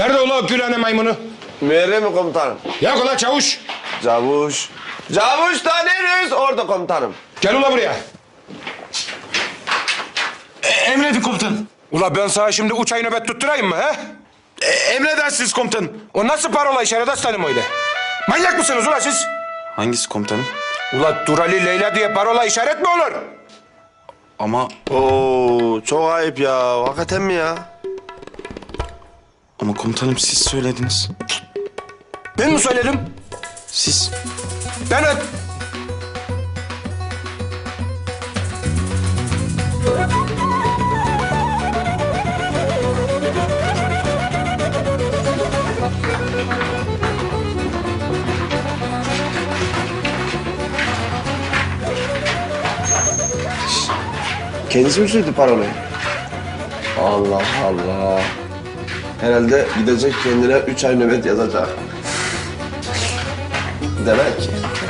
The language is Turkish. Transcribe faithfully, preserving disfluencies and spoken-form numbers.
Nerede ulan o Gülhane maymunu? Müerre mi komutanım? Yok ulan çavuş. Cavuş. Cavuş tanıyoruz orada komutanım. Gel ulan buraya. E, emredin komutanım. Ula ben sana şimdi üç ay nöbet tutturayım mı he? E, emredersiniz komutanım. O nasıl parola işaret aslanım öyle? Manyak mısınız ula siz? Hangisi komutanım? Ula Durali Leyla diye parola işaret mi olur? Ama Oo çok ayıp ya. Hakikaten mi ya? ama komutanım siz söylediniz. Ben mi söyledim? Siz. Ben öp. Kendisi mi söyledi parolayı? Allah Allah. Herhalde gidecek kendine üç ay nöbet yazacak. Demek ki.